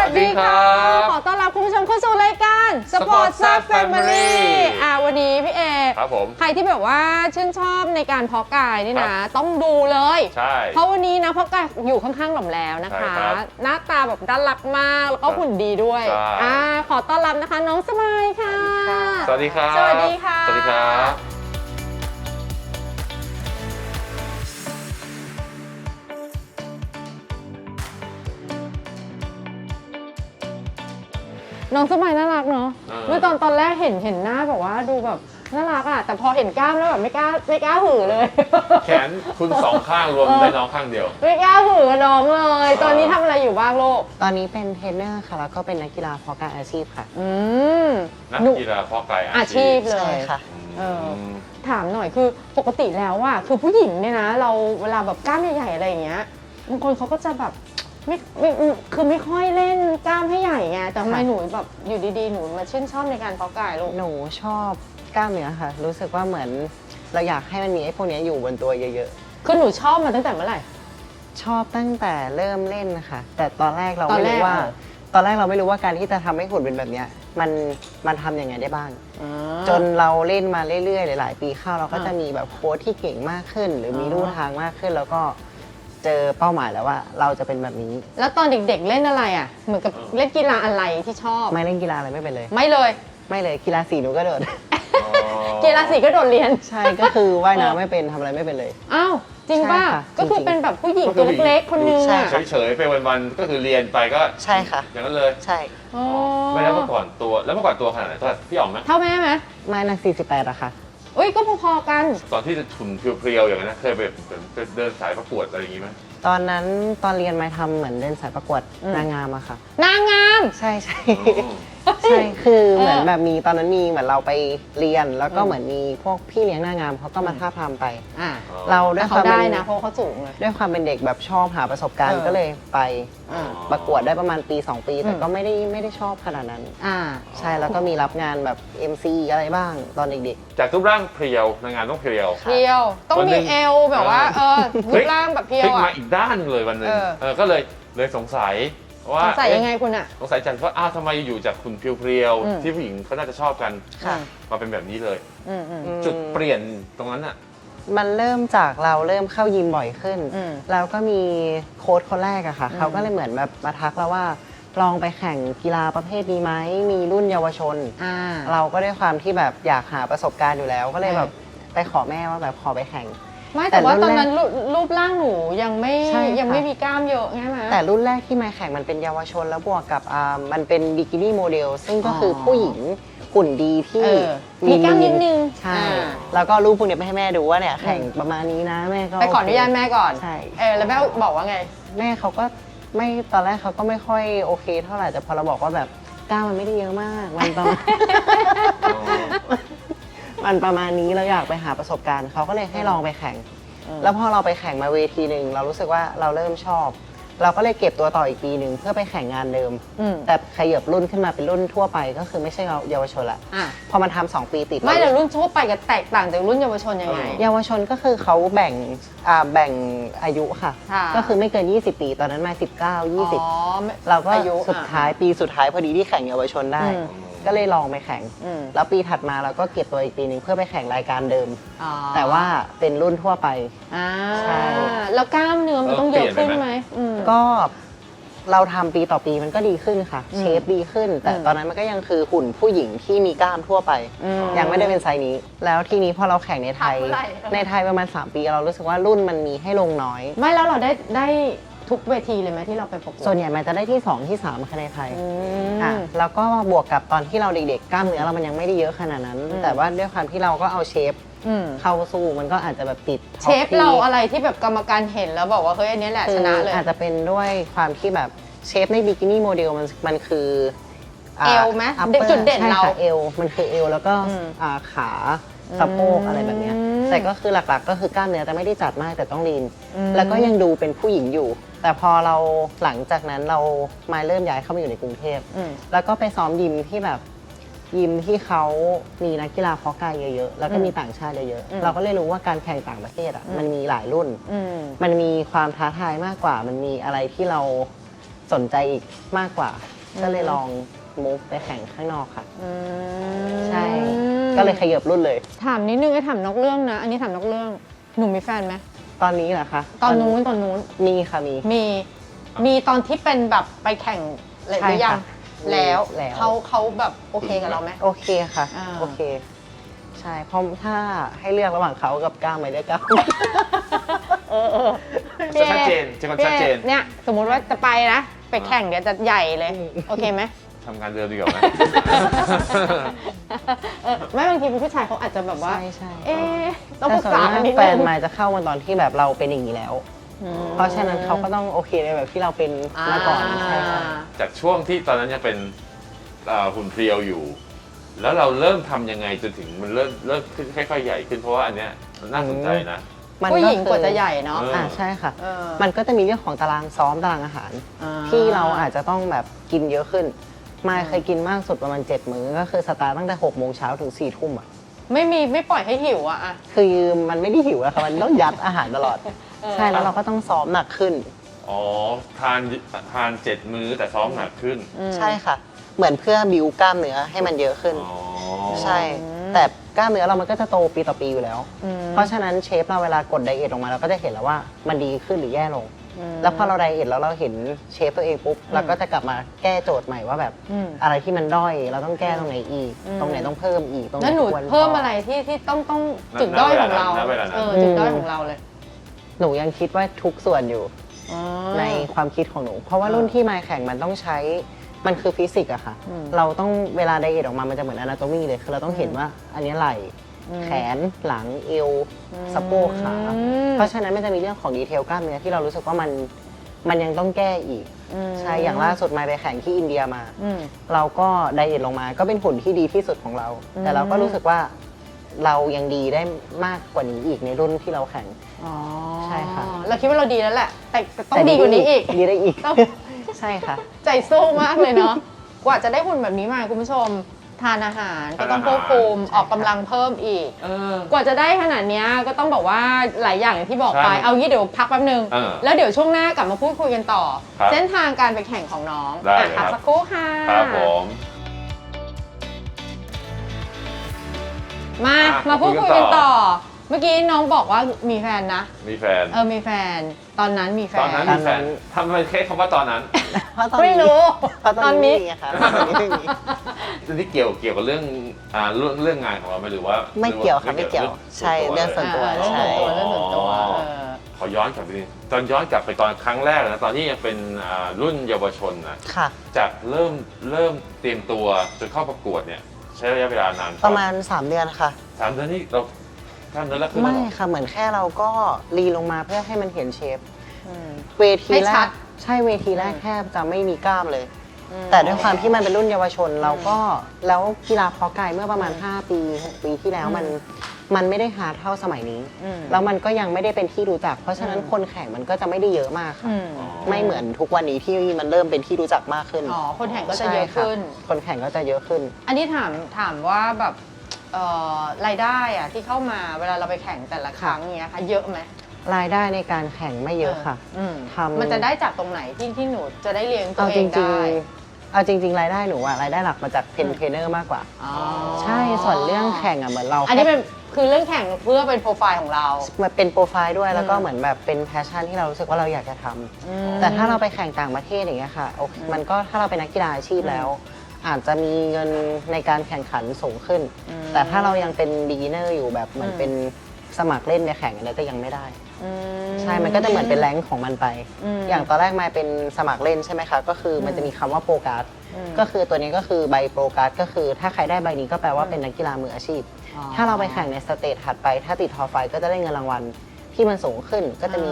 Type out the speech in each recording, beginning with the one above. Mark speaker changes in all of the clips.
Speaker 1: วัสดีค่ะขอต้อนรับคุณผู้ชมเข้าสู่รายการ Sport Zap Family วันนี้พี่เอ
Speaker 2: ครับผม
Speaker 1: ใครที่แบบว่าชื่นชอบในการเพาะกายนี่นะต้องดูเลย
Speaker 2: ใช่
Speaker 1: เพราะวันนี้นะเพาะกายอยู่ข้างๆหล่อมแล้วนะคะหน้าตาแบบน่ารักมากแล้วก็หุ่นดีด้วยขอต้อนรับนะคะน้องสมัยค่ะ
Speaker 2: สวัสดีครับ
Speaker 1: สวัสดีค่ะ
Speaker 2: สวัสดีครับ
Speaker 1: น้องสมัยน่ารักเนาะเมื่อตอนแรกเห็นหน้าแบบว่าดูแบบน่ารักอ่ะแต่พอเห็นกล้ามแล้วแบบไม่กล้าหือเลย
Speaker 2: แขนคุณสองข้างรวมได้น้องข้างเดียว
Speaker 1: ไม่กล้าหือน้องเลยตอนนี้ทำอะไรอยู่บ้างลูก
Speaker 3: ตอนนี้เป็นเทรนเนอร์ค่ะแล้วก็เป็นนักกีฬาเพาะกายอาชีพค่ะ
Speaker 2: นักกีฬาเพาะกาย
Speaker 1: อาชีพเลย
Speaker 3: ค่ะ
Speaker 1: ถามหน่อยคือปกติแล้วอ่ะคือผู้หญิงเนี่ยนะเราเวลาแบบกล้ามใหญ่ๆอะไรอย่างเงี้ยบางคนเขาก็จะแบบคือไม่ค่อยเล่นกล้ามให้ใหญ่ไงแต่ทำไมหนูแบบอยู่ดีๆหนูมาชื่นชอบในการเพาะกายลูก
Speaker 3: หนูชอบกล้ามเนื้อค่ะรู้สึกว่าเหมือนเราอยากให้มันมีไอ้พวกนี้อยู่บนตัวเยอะ
Speaker 1: ๆคือหนูชอบมาตั้งแต่เมื่อไหร่
Speaker 3: ชอบตั้งแต่เริ่มเล่นนะคะแต่ตอนแรกเราไม่รู้ว่าการที่จะทำให้หุ่นเป็นแบบนี้มันทำยังไงได้บ้างจนเราเล่นมาเรื่อยๆหลายๆปีเข้าเราก็จะมีแบบโค้ชที่เก่งมากขึ้นหรือมีลู่ทางมากขึ้นแล้วก็เจอเป้าหมายแล้วว่าเราจะเป็นแบบนี้
Speaker 1: แล้วตอนเด็กๆเล่นอะไรอ่ะเหมือนกับเล่นกีฬาอะไรที่ชอบ
Speaker 3: ไม่เล่นกีฬาอะไรไม่เป็นเลย
Speaker 1: ไม่เลย
Speaker 3: กีฬาสีหนูก็โดด
Speaker 1: กีฬาสีก็โดดเรียน
Speaker 3: ใช่ก็คือว่ายน้ำไม่เป็นทำอะไรไม่เป็นเลย
Speaker 1: อ้าวจริงป่ะก็คือเป็นแบบผู้หญิงตัวเล็กๆคนนึงอ่ะ
Speaker 2: เฉยๆไปวันๆก็คือเรียนไปก็
Speaker 3: ใช่ค่ะ
Speaker 2: อย่างนั้นเลย
Speaker 3: ใช่
Speaker 2: ไม่แล้วเมื่อก่อนตัวขนาดไหนตัวพี่อ๋อมไหม
Speaker 1: เท่าแม่ไหม
Speaker 3: ไม่นะ48อะค่ะ
Speaker 1: อุ้ยก็พอๆกัน
Speaker 2: ตอนที่จะถุนเพรียวๆอย่างนั้นเคยไปเดินสายประกวดอะไรอย่างงี้ไหม
Speaker 3: ตอนนั้นตอนเรียนมาทำเหมือนเดินสายประกวดนางงามอะค่ะ
Speaker 1: นางงาม
Speaker 3: ใช่ใช่คือเหมือนแบบมีตอนนั้นมีเหมือนเราไปเรียนแล้วก็เหมือนมีพวกพี่เลี้ยงนางงามเขาก็มาท้าทามไปเราด้วยความ
Speaker 1: ได้นะเพราะเขาสูงเลย
Speaker 3: ด้วยความเป็นเด็กแบบชอบหาประสบการณ์ก็เลยไปประกวดได้ประมาณปี2ปีแต่ก็ไม่ได้ชอบขนาดนั้นใช่แล้วก็มีรับงานแบบ MC อะไรบ้างตอนเด็ก
Speaker 2: ๆจากรูปร่างเพรียวนางงามต้องเพรียว
Speaker 1: ต้องมีเอวแบบว่ารูปร่างแบบเพรียว
Speaker 2: มาอีกด้านเลยวันนึงก็เลยสงสัยว่า
Speaker 1: สงสัยยังไงคุณอะ
Speaker 2: สงสัยจังว่าทำไมอยู่จากคุณเพรียวๆที่ผู้หญิงเขาน่าจะชอบกันมาเป็นแบบนี้เลยจุดเปลี่ยนตรงนั้นอะ
Speaker 3: มันเริ่มจากเราเริ่มเข้ายิมบ่อยขึ้นแล้วก็มีโค้ชคนแรกอะค่ะเขาก็เลยเหมือนแบบมาทักเราว่าลองไปแข่งกีฬาประเภทนี้ไหมมีรุ่นเยาวชนเราก็ด้วยความที่แบบอยากหาประสบการณ์อยู่แล้วก็เลยแบบไปขอแม่ว่าแบบขอไปแข่ง
Speaker 1: ไม่แต่ว่าตอนนั้นรูปร่างหนูยังไม่มีกล้ามเยอะใช่ไหม
Speaker 3: แต่รุ่นแรกที่มาแข่งมันเป็นเยาวชนแล้วบวกกับมันเป็นบิกินี่โมเดลซึ่งก็คือผู้หญิงหุ่นดีที่
Speaker 1: มีกล้ามนิดนึง
Speaker 3: ใช่แล้วก็รูปพวกนี้ไปให้แม่ดูว่าเนี่ยแข่งประมาณนี้นะแม่ก็
Speaker 1: ไปขออนุญาตแม่ก่อน
Speaker 3: ใช่
Speaker 1: แล้วแม่บอกว่าไง
Speaker 3: แม่เขาก็ไม่ตอนแรกเขาก็ไม่ค่อยโอเคเท่าไหร่แต่พอเราบอกว่าแบบกล้ามมันไม่ได้เยอะมากมันประมาณมันประมาณนี้เราอยากไปหาประสบการณ์เขาก็เลยให้ลองไปแข่งแล้วพอเราไปแข่งมาเวทีหนึ่งเรารู้สึกว่าเราเริ่มชอบเราก็เลยเก็บตัวต่ออีกปีหนึ่งเพื่อไปแข่งงานเดิมแต่ขยับรุ่นขึ้นมาเป็นรุ่นทั่วไปก็คือไม่ใช่เยาวชนละพอมันทำ2 ปีติด
Speaker 1: ไม่แต่รุ่นทั่วไปกับแตกต่างจากรุ่นเยาวชนยังไง
Speaker 3: เยาวชนก็คือเขาแบ่งอายุค่ะก็คือไม่เกิน20 ปีตอนนั้นมา19-20เราก็สุดท้ายปีสุดท้ายพอดีที่แข่งเยาวชนได้ก็เลยลองไปแข่งแล้วปีถัดมาเราก็เก็บตัวอีกปีหนึ่งเพื่อไปแข่งรายการเดิมแต่ว่าเป็นรุ่นทั่วไป
Speaker 1: ใช่แล้วกล้ามเนื้อมันต้องเยอะขึ้นไหม
Speaker 3: ก็เราทำปีต่อปีมันก็ดีขึ้นค่ะเชฟดีขึ้นแต่ตอนนั้นมันก็ยังคือหุ่นผู้หญิงที่มีกล้ามทั่วไปยังไม่ได้เป็นไซส์นี้แล้วทีนี้พอเราแข่งในไทยประมาณ3 ปีเรารู้สึกว่ารุ่นมันมีให้ลงน้อย
Speaker 1: ไม่แล้วเราได้ทุกเวทีเลยไหมที่เราไปประกวด
Speaker 3: ส่วนใหญ่มันจะได้ที่2ที่3คะแนนไทยแล้วก็บวกกับตอนที่เราเด็กๆกล้ามเนื้อเรามันยังไม่ได้เยอะขนาดนั้นแต่ว่าด้วยความที่เราก็เอาเชฟเข้าสู้มันก็อาจจะแบบติด
Speaker 1: เชฟเราอะไรที่แบบกรรมการเห็นแล้วบอกว่าเฮ้ยอันนี้แหละชนะเลย
Speaker 3: อาจจะเป็นด้วยความที่แบบเชฟในบิกินี่โมเดลมันคือ
Speaker 1: เอวไหมจุดเด่นเรา
Speaker 3: เอวมันคือเอวแล้วก็ขาสะโพกอะไรแบบนี้แต่ก็คือหลักๆก็คือกล้ามเนื้อแต่ไม่ได้จัดมากแต่ต้องลีนแล้วก็ยังดูเป็นผู้หญิงอยู่แต่พอเราหลังจากนั้นเรามาเริ่มย้ายเข้ามาอยู่ในกรุงเทพแล้วก็ไปซ้อมยิมที่แบบยิมที่เขามีนักกีฬาเพาะกายเยอะๆแล้วก็มีต่างชาติเยอะๆเราก็เลยรู้ว่าการแข่งต่างประเทศมันมีหลายรุ่นมันมีความท้าทายมากกว่ามันมีอะไรที่เราสนใจอีกมากกว่า ก็เลยลองมูฟไปแข่งข้างนอกค่ะ ใช่ ก็เลยขยับรุ่นเลย
Speaker 1: ถามนิดนึงไอ้ถามนอกเรื่องนะ อันนี้ถามนอกเรื่องหนูมีแฟนไหม
Speaker 3: ตอนนี้เหรอคะ
Speaker 1: ตอนนู้น
Speaker 3: มีค่ะมี
Speaker 1: มีตอนที่เป็นแบบไปแข่งหรือยัง
Speaker 3: ใช่ค่ะ
Speaker 1: แล้ว
Speaker 3: แล้ว
Speaker 1: เขาแบบโอเคกับเราไหม
Speaker 3: โอเคค่ะ
Speaker 1: อ่า
Speaker 3: โอเค ใช่เพราะถ้าให้เลือกระหว่างเขากับก้าวไม่ได้ก้าว
Speaker 2: ชัดเจนจะชัดเจน
Speaker 1: เนี่ยสมมุติว่าจะไปนะ ไปแข่งเดี๋ยวจะใหญ่เลย โอเคไหม
Speaker 2: ทำงานเดิมดีกว่าไหม
Speaker 1: ไม่บางทีเป็นผู้ชายเขาอาจจะแบบว่า
Speaker 3: ใช่
Speaker 1: เอ๊ะต้องป
Speaker 3: แต่
Speaker 1: รึก
Speaker 3: ส่วน
Speaker 1: ษาม
Speaker 3: าก
Speaker 1: กันนิด
Speaker 3: แฟ
Speaker 1: นึ
Speaker 3: น
Speaker 1: ง
Speaker 3: มายจะเข้ามาตอนที่แบบเราเป็นอย่างนี้แล้ว เพราะฉะนั้นเขาก็ต้องโอเคในแบบที่เราเป็นมาก่อนใช่ค่ะ
Speaker 2: จากช่วงที่ตอนนั้นยังเป็นหุ่นเพรียวอยู่ แล้วเราเริ่มทำยังไงจนถึงมันเริ่มขึ้นค่อยๆใหญ่ขึ้นเพราะว่าอันเนี้ยน่าสนใจนะ
Speaker 1: ผู้หญิงกว่าจะใหญ่เนาะ
Speaker 3: ใช่ค่ะ
Speaker 1: เออ
Speaker 3: มันก็จะมีเรื่องของตารางซ้อมตารางอาหาร ที่เราอาจจะต้องแบบกินเยอะขึ้นมายเคยกินมากสุดประมาณ7 มื้อก็คือสตาร์ทตั้งแต่6 โมงเช้าถึง4 ทุ่มอ่ะ
Speaker 1: ไม่ปล่อยให้หิวอะ
Speaker 3: คือมันไม่ได้หิวอะค่ะมันต้องยัดอาหารตลอด ใช่แล้วเราก็ต้องซ้อมหนักขึ้น
Speaker 2: อ๋อทาน7 มื้อแต่ซ้อมหนักขึ้น
Speaker 3: ใช่ค่ะ เหมือนเพื่อบิวกล้ามเนื้อให้มันเยอะขึ้น
Speaker 2: อ๋อ
Speaker 3: ใช่ แต่กล้ามเนื้อเรามันก็จะโตปีต่อปีอยู่แล้ว เพราะฉะนั้นเชฟเราเวลากดไดเอทออกมาเราก็จะเห็นแล้วว่ามันดีขึ้นหรือแย่ลง แล้วพอเราไดเอทแล้วเราเห็นเชฟตัวเองปุ๊บเราก็จะกลับมาแก้โจทย์ใหม่ว่าแบบอะไรที่มันด้อยเราต้องแก้ตรงไหนอีก ตรงไหนต้องเพิ่มอีกตรงไหน
Speaker 1: แล้วหนู
Speaker 3: ควร
Speaker 1: เพิ่มอะไรที่ต้องจุดด้อยของเรา
Speaker 2: ณเวลานั้น
Speaker 1: จุดด้อยของเราเลย
Speaker 3: หนูยังคิดว่าทุกส่วนอยู่ในความคิดของหนู เพราะว่ารุ่นที่มายแข่งมันต้องใช้มันคือฟิสิกส์อะค่ะ เราต้องเวลาไดเอทออกมามันจะเหมือนอนาโตมีเลยคือเราต้องเห็นว่าอันนี้ไหล่แขนหลังเอวสะโพกขา เพราะฉะนั้นมันจะมีเรื่องของดีเทลกล้ามเนื้อที่เรารู้สึกว่ามันยังต้องแก้อีก ใช่ อย่างล่าสุดมายไปแข่งที่อินเดียมา เราก็ไดเอทลงมาก็เป็นหุ่นที่ดีที่สุดของเรา แต่เราก็รู้สึกว่าเรายังดีได้มากกว่านี้อีกในรุ่นที่เราแข่ง ใช่ค่ะ
Speaker 1: เราคิดว่าเราดีแล้วแหละ แต่ต้องดีกว่านี้อีก
Speaker 3: ดีได้อีก
Speaker 1: ต้อง
Speaker 3: ใช่ค่ะ
Speaker 1: ใจสู้มากเลยเนาะ กว่าจะได้หุ่นแบบนี้มาคุณผู้ชม ทานอาหารก็ต้องควบคุมออกกำลังเพิ่มอีก กว่าจะได้ขนาดเนี้ยก็ต้องบอกว่าหลายอย่างอย่างที่บอกไป
Speaker 2: ใช่
Speaker 1: เอางี้เดี๋ยวพักแป๊บนึง แล้วเดี๋ยวช่วงหน้ากลับมาพูดคุยกันต่อ
Speaker 2: ครับ
Speaker 1: เส้นทางการไปแข่งของน้อง
Speaker 2: ได้เลย
Speaker 1: พัก
Speaker 2: ครับ
Speaker 1: สักครู่ค่ะ
Speaker 2: ครับผม
Speaker 1: มาพูดคุยกันต่อ เมื่อกี้น้องบอกว่ามีแฟนนะ
Speaker 2: มีแฟน
Speaker 1: มีแฟน ตอนนั้นมีแฟน
Speaker 2: ตอนนั้นมีแฟนทำไมแค่คำว่าตอนนั้น
Speaker 3: เพราะตอน
Speaker 1: ไม่
Speaker 3: นี้
Speaker 1: รู้
Speaker 3: เพราะตอนนี้ไม่มีอะค่ะตอนนี้ไม่มี
Speaker 2: ทีนี้เกี่ยวกับเรื่องงานของเราไหมหรือว่า
Speaker 3: ไม่เกี่ยวค่ะไม่เกี่ยวใช่เรื่องส่วนตัว
Speaker 1: เรื่องส่วนตัวเรื่องส่วนตัว
Speaker 2: อ๋อขอย้อนกลับไปนิดตอนย้อนกลับไปตอนครั้งแรกนะตอนที่ยังเป็นรุ่นเยาวชนนะ
Speaker 3: ค่ะ
Speaker 2: จากเริ่มเตรียมตัวจนเข้าประกวดเนี่ยใช้ระยะเวลานาน
Speaker 3: ประมาณ 3 เดือนค่ะ
Speaker 2: 3 เดือนนี่เราทำเดือนละครึ่ง
Speaker 3: ไม่
Speaker 2: แล้วเหรอ
Speaker 3: ค่ะเหมือนแค่เราก็รีลงมาเพื่อให้มันเห็นเชฟ เวที
Speaker 1: ให้
Speaker 3: แร
Speaker 1: ชั
Speaker 3: ก
Speaker 1: ด
Speaker 3: ใช่เวทีแรกแทบจะไม่มีกล้ามเลย แต่ด้วยความที่มันเป็นรุ่นเยาวชนเราก็แล้วกีฬาเพาะกายเมื่อประมาณ 5 ปี 6 ปีที่แล้วมันไม่ได้ฮาร์ดเท่าสมัยนี้ แล้วมันก็ยังไม่ได้เป็นที่รู้จัก เพราะฉะนั้นคนแข่งมันก็จะไม่ได้เยอะมากค่ะ ไม่เหมือนทุกวันนี้ที่มันเริ่มเป็นที่รู้จักมากขึ้น
Speaker 1: คนแข่งก็จะเยอะขึ้น
Speaker 3: ใช่ค่ะคนแข่งก็จะเยอะขึ้น
Speaker 1: อันนี้ถามว่าแบบรายได้อะที่เข้ามาเวลาเราไปแข่งแต่ละครั้งเนี้ยค่ะเยอะไหม
Speaker 3: รายได้ในการแข่งไม่เยอะค่ะทำ
Speaker 1: มันจะได้จากตรงไหนที่หนูจะได้เลี้ยงตัว
Speaker 3: เอา
Speaker 1: เอ
Speaker 3: จ
Speaker 1: ง
Speaker 3: ริง
Speaker 1: ได้
Speaker 3: ๆเอาจริง ๆ รายได้หนูอะรายได้หลักมาจากเทรนเนอร์มากกว่า
Speaker 1: อ๋อ
Speaker 3: ใช่ส่วนเรื่องแข่งอะเหมือนเรา
Speaker 1: อันนี้เป็นคือเรื่องแข่งเพื่อเป็นโปรไฟล์ของเรา
Speaker 3: มันเป็นโปรไฟล์ด้วยแล้วก็เหมือนแบบเป็นแพชชั่นที่เรารู้สึกว่าเราอยากจะทำแต่ถ้าเราไปแข่งต่างประเทศอย่างเงี้ยค่ะโอเคมันก็ถ้าเราเป็นนักกีฬาอาชีพแล้ว อาจจะมีเงินในการแข่งขันสูงขึ้น แต่ถ้าเรายังเป็น beginner อยู่แบบเหมือนเป็นสมัครเล่นในแข่งอะไรก็ยังไม่ได้ใช่มันก็จะเหมือนเป็นแรงค์ของมันไป อย่างตอนแรกมาเป็นสมัครเล่นใช่ไหมคะก็คือมันจะมีคำว่าโปรการ์ดก็คือตัวนี้ก็คือใบโปรการ์ดก็คือถ้าใครได้ใบนี้ก็แปลว่าเป็นนักกีฬามืออาชีพ ถ้าเราไปแข่งในสเตจถัดไปถ้าติดทอไฟก็จะได้เงินรางวัลที่มันสูงขึ้นก็จะมี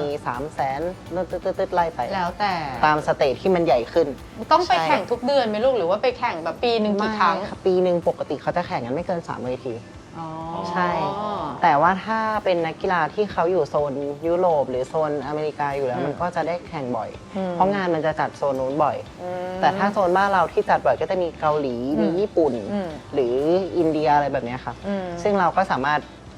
Speaker 3: 300,000ตึ๊ดๆไล่ไป
Speaker 1: แล้วแต่
Speaker 3: ตามสเตจที่มันใหญ่ขึ้น
Speaker 1: ต้องไปแข่งทุกเดือนไหมลูกหรือว่าไปแข่งแบบปีหนึ่งกี่ครั้ง
Speaker 3: ไม่ค่ะปีหนึ่งปกติเขาจะแข่งกันไม่เกิน3 เวที
Speaker 1: อ๋อ
Speaker 3: ใช่ แต่ว่าถ้าเป็นนักกีฬาที่เขาอยู่โซนยุโรปหรือโซนอเมริกาอยู่แล้วมันก็จะได้แข่งบ่อย เพราะงานมันจะจัดโซนนู้นบ่อย แต่ถ้าโซนบ้านเราที่จัดบ่อยก็จะมีเกาหลีมีญี่ปุ่น หรืออินเดียอะไรแบบเนี้ยค่ะซึ่งเราก็สามารถ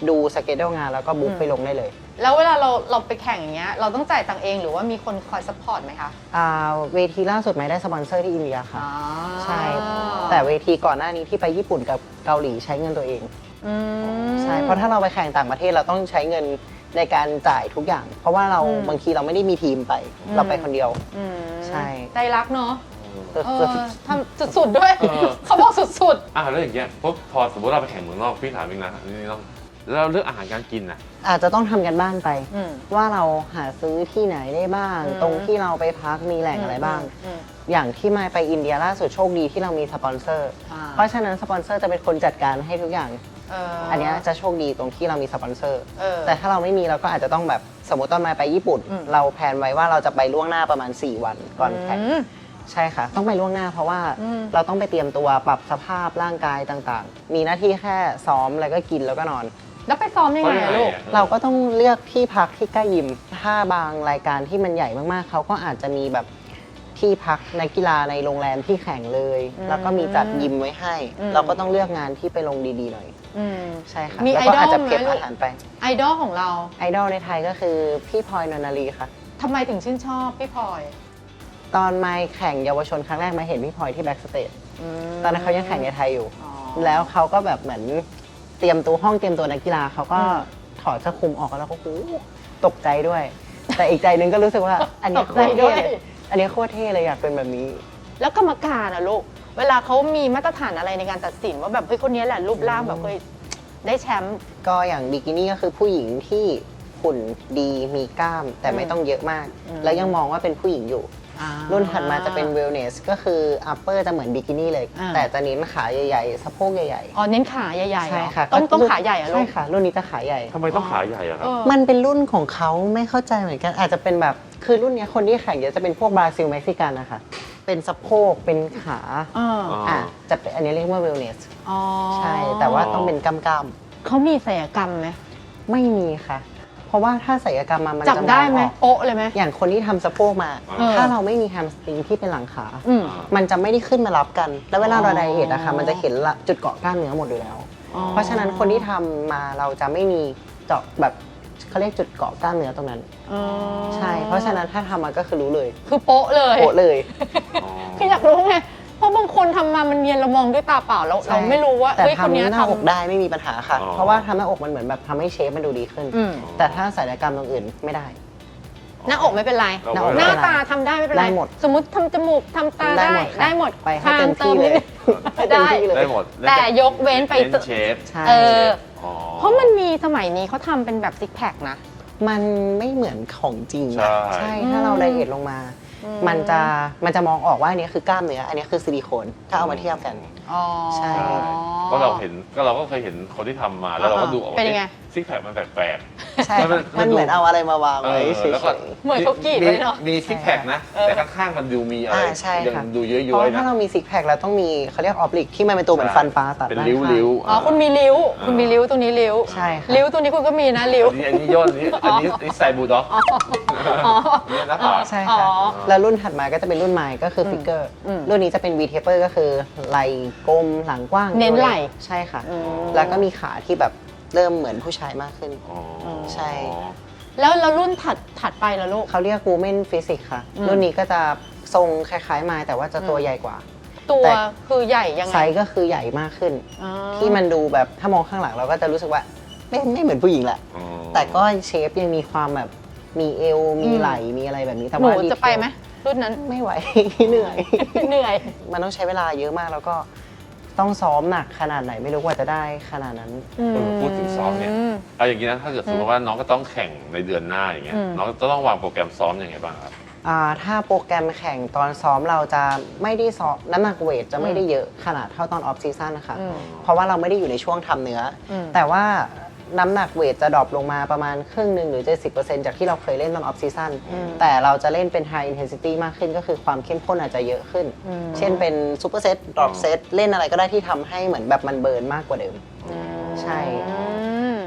Speaker 3: ดูสเกจดูงานแล้วก็บุ๊กไปลงได้เลย
Speaker 1: แล้วเวลาเราไปแข่งอย่างเงี้ยเราต้องจ่ายตังค์เองหรือว่ามีคนคอยซัพพอร์ตไหมคะ
Speaker 3: เวทีล่าสุดไม่ได้สปอนเซอร์ที่อินเดียค่ะ
Speaker 1: อ๋อ
Speaker 3: ใช่ แต่เวทีก่อนหน้านี้ที่ไปญี่ปุ่นกับเกาหลีใช้เงินตัวเอง
Speaker 1: อืม
Speaker 3: ใช่ เพราะถ้าเราไปแข่งต่างประเทศเราต้องใช้เงินในการจ่ายทุกอย่าง เพราะว่าเรา
Speaker 1: อืม
Speaker 3: บางทีเราไม่ได้มีทีมไป เราไปคนเดียว
Speaker 1: อืม
Speaker 3: ใช่
Speaker 1: ใจรักเนาะ
Speaker 3: ก็
Speaker 1: ทำสุดๆด้วย
Speaker 2: เออ
Speaker 1: เขาบอกสุด
Speaker 2: แล้วอย่างเงี้ยพอสมมติเราไปแข่งเมืองนอกพี่ถามเองนะนี่ต้องแล้วเรื่องอาหารการกินนะ
Speaker 3: อาจจะต้องทำกันบ้านไป
Speaker 1: ๆอืม
Speaker 3: ว่าเราหาซื้อที่ไหนได้บ้าง
Speaker 1: อืม
Speaker 3: ตรงที่เราไปพักมีแหล่งอะไรบ้าง
Speaker 1: อืม
Speaker 3: อย่างที่มาไปอินเดียล่าสุดโชคดีที่เรามีสปอนเซอร์
Speaker 1: อ่า
Speaker 3: เพราะฉะนั้นสปอนเซอร์จะเป็นคนจัดการให้ทุกอย่าง อันเนี้ยจะโชคดีตรงที่เรามีสปอนเซอร์
Speaker 1: เออ
Speaker 3: แต่ถ้าเราไม่มีเราก็อาจจะต้องแบบสมมติตอนมาไปญี่ปุ่น
Speaker 1: อืม
Speaker 3: เราแพลนไว้ว่าเราจะไปล่วงหน้าประมาณ 4 วันก่อนแข่ง
Speaker 1: อืม
Speaker 3: ใช่ค่ะ ต้องไปล่วงหน้าเพราะว่า
Speaker 1: อืม
Speaker 3: เราต้องไปเตรียมตัวปรับสภาพร่างกายต่างๆ มีหน้าที่แค่ซ้อมแล้วก็กินแล้วก็นอน
Speaker 1: แล้วไปซ้อมยังไงอะลูก
Speaker 3: เราก็ต้องเลือกที่พักที่ใกล้ยิม ถ้าบางรายการที่มันใหญ่มากๆ เขาก็อาจจะมีแบบที่พักนักกีฬาในโรงแรมที่แข่งเลย
Speaker 1: อืม
Speaker 3: แล้วก็มีจัดยิมไว้ให้
Speaker 1: อืม
Speaker 3: เราก็ต้องเลือกงานที่ไปลงดีๆหน่อย
Speaker 1: อืม
Speaker 3: ใช่ค่ะ
Speaker 1: มี
Speaker 3: แล้วก็อาจจะ
Speaker 1: ไอดอลไหม
Speaker 3: เก็บ
Speaker 1: ลูก
Speaker 3: อาหารไป
Speaker 1: ไอดอลของเรา
Speaker 3: ไอดอลในไทยก็คือพี่พลอยนนทรีค่ะ
Speaker 1: ทำไมถึงชื่นชอบพี่พลอย
Speaker 3: ตอนมาแข่งเยาวชนครั้งแรกมาเห็นพี่พลอยที่แบ็กสเตจ ตอนนั้นเขายังแข่งในไทยอยู่
Speaker 1: อ๋อ
Speaker 3: แล้วเขาก็แบบเหมือนเตรียมตัวห้องเตรียมตัวนักกีฬาเขาก็
Speaker 1: อืม
Speaker 3: ถอดเสื้อคลุมออกแล้วก็โอ้โหตกใจด้วย แต่อีกใจหนึงก็รู้สึกว่า อันนี้
Speaker 1: ต
Speaker 3: โค
Speaker 1: กใจ
Speaker 3: ตร
Speaker 1: ด้
Speaker 3: เท่
Speaker 1: วย
Speaker 3: เลยอันนี้โคตรเท่เลยอยากเป็นแบบนี้
Speaker 1: แล้วกรรมการอะลูก เวลาเขามีมาตรฐานอะไรในการตัดสินว่าแบบเฮ้ยคนนี้แหละรูปร่างแบบเคยได้แชมป์
Speaker 3: ก็อย่างบิกินี่ก็คือผู้หญิงที่หุ่นดีมีกล้าม แต่ไม่ต้องเยอะมาก
Speaker 1: อืม
Speaker 3: แล้วยังมองว่าเป็นผู้หญิงอยู่ รุ่นถัดมาจะเป็นเวลเนสก็คืออัปเปอร์จะเหมือนบิกินี่เลย
Speaker 1: อ่า
Speaker 3: แต่จะเน้นขาใหญ่ๆสะโพกใหญ่
Speaker 1: อ๋อเน้นขาใหญ่ๆเหรอ
Speaker 3: ใช่ค่ะ
Speaker 1: ต้องขาใหญ่อะลู
Speaker 3: ใช่
Speaker 1: ก
Speaker 3: ค่ะ รุ่นนี้จะขาใหญ่
Speaker 2: ทำไมต้องขาใหญ่อะครับ
Speaker 1: เออ
Speaker 3: มันเป็นรุ่นของเขาไม่เข้าใจเหมือนกัน อาจจะเป็นแบบคือรุ่นเนี้ยคนที่แข่งเยอะจะเป็นพวกบราซิลเม็กซิกันนะคะเป็นสะโพกเป็นขา
Speaker 1: อ่า
Speaker 2: อ๋อ
Speaker 3: อ่ะจะเป็นอันนี้เรียกว่าเวลเนส
Speaker 1: อ๋อ
Speaker 3: ใช่ แต่ว่าต้องเป็นกล้าม
Speaker 1: เขามีศัลยกรรมไหม
Speaker 3: ๆไม่มีค่ะ เพราะว่าถ้าศัลยกรรมมัน
Speaker 1: จับ
Speaker 3: จะ
Speaker 1: ได้ไหม
Speaker 3: องออก
Speaker 1: โป๊ะเลยไหม
Speaker 3: อย่างคนที่ทำสะโพกมา
Speaker 2: เออ
Speaker 3: ถ้าเราไม่มีแฮมสตริงที่เป็นหลังขา
Speaker 1: อืม
Speaker 3: มันจะไม่ได้ขึ้นมารับกัน แล้วเวลาเรา
Speaker 1: อ๋อ
Speaker 3: ไดเอทอะค่ะมันจะเห็นละจุดเกาะกล้ามเนื้อหมดอยู่แล้ว
Speaker 1: อ๋อ
Speaker 3: เพราะฉะนั้นคนที่ทำมาเราจะไม่มีเจาะแบบเขาเรียกจุดเกาะกล้ามเนื้อตรงนั้น
Speaker 1: อ๋อ
Speaker 3: ใช่ เพราะฉะนั้นถ้าทำมาก็คือรู้เลย
Speaker 1: คือโป๊ะเลย
Speaker 3: โปะเลย
Speaker 2: อ๋อ
Speaker 1: คืออยากรู้ไง เพราะบางคนทำมามันเนียนเรามองด้วยตาเปล่าแล้ว
Speaker 3: ใช่
Speaker 1: เราไม่รู้ว่า
Speaker 3: แต่
Speaker 1: เฮ้ยคน
Speaker 3: ทำ
Speaker 1: เนี้ย
Speaker 3: หน้าอก
Speaker 1: ทำ
Speaker 3: ได้ไม่มีปัญหาค่ะ
Speaker 2: อ๋อ
Speaker 3: เพราะว่าทำหน้าอกมันเหมือนแบบทำให้เชฟมันดูดีขึ้น
Speaker 1: อืม
Speaker 3: แต่ถ้าศัลยกรรมตรงอื่นไม่ได้
Speaker 1: หน้าอกไม่เป็นไร
Speaker 2: หน้าอก
Speaker 1: ห
Speaker 2: ไม่
Speaker 1: น้า
Speaker 2: เป็นไร
Speaker 1: ตาทำได้ไม่เป็นไร
Speaker 3: ได้หมด
Speaker 1: สมมติทำจมูกทำตาได้
Speaker 3: ค่ะ
Speaker 1: ได้หมด
Speaker 3: ไปให้เต็มที่เลย ให้เต็มที่เลย
Speaker 2: ได้หมด
Speaker 1: แต่ยกเว้นไป
Speaker 2: เน้นเชฟ
Speaker 3: ใช่
Speaker 1: เออ
Speaker 2: อ๋อ
Speaker 1: เพราะมันมีสมัยนี้เขาทำเป็นแบบซิกแพคนะ
Speaker 3: มันไม่เหมือนของจริง
Speaker 2: ใช่
Speaker 3: อะใช่ ถ้าเราไดเอทลงมา มันจะมองออกว่าอันนี้คือกล้ามเนื้อ อันนี้คือซิลิโคนถ้าเอามาเทียบกัน
Speaker 1: อ๋อ
Speaker 3: ใช่
Speaker 2: ก็เราก็เคยเห็นคนที่ทำมาแล้วเราก็ดูออกว่า
Speaker 1: เป็นยังไง
Speaker 2: ซิกแพคมันแปลก
Speaker 3: ใช่
Speaker 2: มัน
Speaker 3: มันเหมือนเอาอะไรมาวาง
Speaker 2: ๆ
Speaker 3: ไว้เฉ
Speaker 2: แล้วก็
Speaker 3: ย
Speaker 1: เหมือนเขากรีดไว้เนอะ
Speaker 2: มีซิกแพคนะ
Speaker 1: เออ
Speaker 2: แต่ข้างๆมันดูมีอะไร
Speaker 3: ใช่ค่ะ
Speaker 2: ยังดูเยอะ
Speaker 3: ๆเพราะ
Speaker 2: ๆ
Speaker 3: ว่า
Speaker 2: นะ
Speaker 3: ถ้าเรามีซิกแพคเราต้องมีเขาเรียกออบลิกที่มันเป็นตัวเหมือนฟันปลาตัด
Speaker 2: เป็น
Speaker 3: ด้าน
Speaker 2: ริ้ว
Speaker 3: ข้าง
Speaker 2: ริ้ว
Speaker 1: อ๋อคุณมีริ้ว คุณมีริ้วตรงนี้ริ้ว
Speaker 3: ใช่ค่ะ
Speaker 1: ริ้วตรงนี้คุณก็มีนะริ้ว
Speaker 2: อันนี้ย่นอันนี้ใส่บูลด็อก
Speaker 1: อ๋อ
Speaker 2: เนี่ยนะผาก
Speaker 3: ใช่ค่ะ
Speaker 1: อ๋อ
Speaker 3: แล้วรุ่นถัดมาก็จะเป็นรุ่นไมค์ก็คือฟิกเกอร์
Speaker 1: อืม
Speaker 3: รุ่นนี้จะเป็น V taper ก็คือไหล่กลมหลังกว้าง
Speaker 1: เน้นไหล่
Speaker 3: ใช่ค่ะ
Speaker 1: อืม
Speaker 3: แล้วก็มีขาที่แบบเริ่มเหมือนผู้ชายมากขึ้น
Speaker 2: อ๋อ
Speaker 3: ใช่
Speaker 1: แล้วรุ่นถัดไปล่ะลูก
Speaker 3: เขาเรียก Women Physics ค่ะ
Speaker 1: อืม
Speaker 3: รุ่นนี้ก็จะทรงคล้ายๆไมค์แต่ว่าจะตัวใหญ่กว่า
Speaker 1: ตัว
Speaker 3: แต่
Speaker 1: คือใหญ่ยังไง
Speaker 3: ไซส์ก็คือใหญ่มากขึ้น
Speaker 1: อ๋อ
Speaker 3: ที่มันดูแบบถ้ามองข้างหลังเราก็จะรู้สึกว่าไม่เหมือนผู้หญิงแหละ
Speaker 2: อ๋อ
Speaker 3: แต่ก็เชฟยังมีความแบบมีเอวมีไหล่มีอะไรแบบนี้แต่
Speaker 1: หนู
Speaker 3: ว่า
Speaker 1: จะไปไหมรุ่นนั้น
Speaker 3: ไม่ไหว เหนื่อย
Speaker 1: เหนื่อย
Speaker 3: มันต้องใช้เวลาเยอะมากแล้วก็ต้องซ้อมหนักขนาดไหนไม่รู้กว่าจะได้ขนาดนั้น
Speaker 2: พูดถึงซ้อมเนี่ยเอาอย่างนี้นะถ้าเกิดสมมติว่าน้องก็ต้องแข่งในเดือนหน้าอย่างเงี้ย
Speaker 1: อืม
Speaker 2: น้องจะต้องวางโปรแกรมซ้อมยังไงบ้างครับ
Speaker 3: ถ้าโปรแกรมแข่งตอนซ้อมเราจะไม่ได้ซ้อมน้ำหนักเวทจะไม่ได้เยอะขนาดเท่าตอนออฟซีซั่นนะคะ
Speaker 1: อืม
Speaker 3: เพราะว่าเราไม่ได้อยู่ในช่วงทำเนื้ออ
Speaker 1: ม
Speaker 3: แต่ว่าน้ำหนักเวทจะดรอปลงมาประมาณครึ่งหนึ่งหรือ 70%จากที่เราเคยเล่นตอนออฟซีซั่นแต่เราจะเล่นเป็นไฮอินเทนซิตี้มากขึ้นก็คือความเข้มข้นอาจจะเยอะขึ้น เช่นเป็นซูเปอร์เซตดรอปเซตเล่นอะไรก็ได้ที่ทำให้เหมือนแบบมันเบิร์นมากกว่าเดิม ใช่
Speaker 1: อืม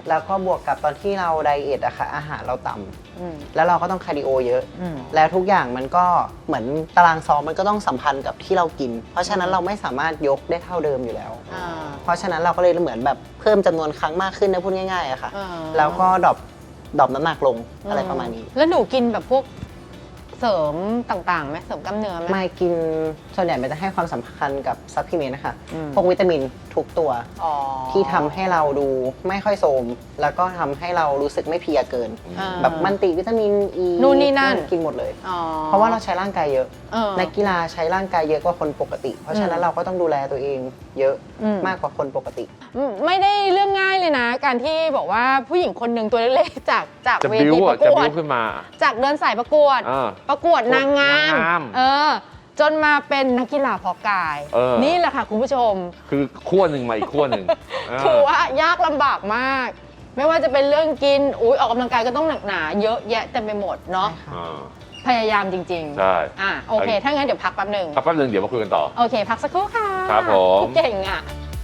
Speaker 3: แล้วก็บวกกับตอนที่เราไดเอทอะค่ะอาหารเราต่ำ
Speaker 1: อืม
Speaker 3: แล้วเราก็ต้องคาร์ดิโอเยอะ
Speaker 1: อืม
Speaker 3: แล้วทุกอย่างมันก็เหมือนตารางซ้อมมันก็ต้องสัมพันธ์กับที่เรากิน เพราะฉะนั้นเราไม่สามารถยกได้เท่าเดิมอยู่แล้ว
Speaker 1: อ่า
Speaker 3: เพราะฉะนั้นเราก็เลยเหมือนแบบเพิ่มจำนวนครั้งมากขึ้นนะพูดง่ายๆอะค่ะ
Speaker 1: อ่า
Speaker 3: แล้วก็ดรอปน้ำหนักลงอะไรประมาณนี้
Speaker 1: แล้วหนูกินแบบพวกเสริมต่างๆไหมเสริมกล้ามเนื้อไหม
Speaker 3: ไม่กินส่วนใหญ่มันจะให้ความสำคัญกับซัพพลีเมนต์นะคะ
Speaker 1: อืม
Speaker 3: พวกวิตามินทุกตัว
Speaker 1: อ๋อ
Speaker 3: ที่ทำให้เราดูไม่ค่อยโทรมแล้วก็ทำให้เรารู้สึกไม่เพลียเกิน
Speaker 1: อ่า
Speaker 3: แบบมันติวิตามินอ e ี
Speaker 1: นู่นนี่นั่น
Speaker 3: กินหมดเลย
Speaker 1: อ๋อ
Speaker 3: เพราะว่าเราใช้ร่างกายเยอะ
Speaker 1: เออ
Speaker 3: นักกีฬาใช้ร่างกายเยอะกว่าคนปกติ เพราะฉะนั้นเราก็ต้องดูแลตัวเองเยอะ
Speaker 1: อืม
Speaker 3: มากกว่าคนปกติ
Speaker 1: ไม่ได้เรื่องง่ายเลยนะ การที่บอกว่าผู้หญิงคนหนึ่งตัวเล็กๆจาก
Speaker 2: จะ
Speaker 1: เว
Speaker 2: บิ้ว
Speaker 1: ทีป
Speaker 2: อ่ะ
Speaker 1: ระ
Speaker 2: จะ
Speaker 1: กว
Speaker 2: บิ้
Speaker 1: ด
Speaker 2: วขึ้นมา
Speaker 1: จากเดินสายประกวด
Speaker 2: อ่า
Speaker 1: ประกวดนางงาม
Speaker 2: นางงาม
Speaker 1: จนมาเป็นนักกีฬาเพาะกาย
Speaker 2: เออ
Speaker 1: นี่แหละค่ะคุณผู้ชม
Speaker 2: คือขั้วหนึ่งมาอีกขั้วหนึ่ง
Speaker 1: คือว่ายากลำบากมาก ไม่ว่าจะเป็นเรื่องกินออกกำลังกายก็ต้องหนักหนาเยอะแยะเต็มไปหมดเนาะ
Speaker 2: อ่า
Speaker 1: พยายามจริงๆ
Speaker 2: ใช่
Speaker 1: โอเค ถ้างั้นเดี๋ยวพักแป๊บหนึ่ง
Speaker 2: ครับแป๊บนึงเดี๋ยวมาคุยกันต่อ
Speaker 1: โอเค พักสักครู่ค่ะ
Speaker 2: ครับผม
Speaker 1: เก่งอ่ะ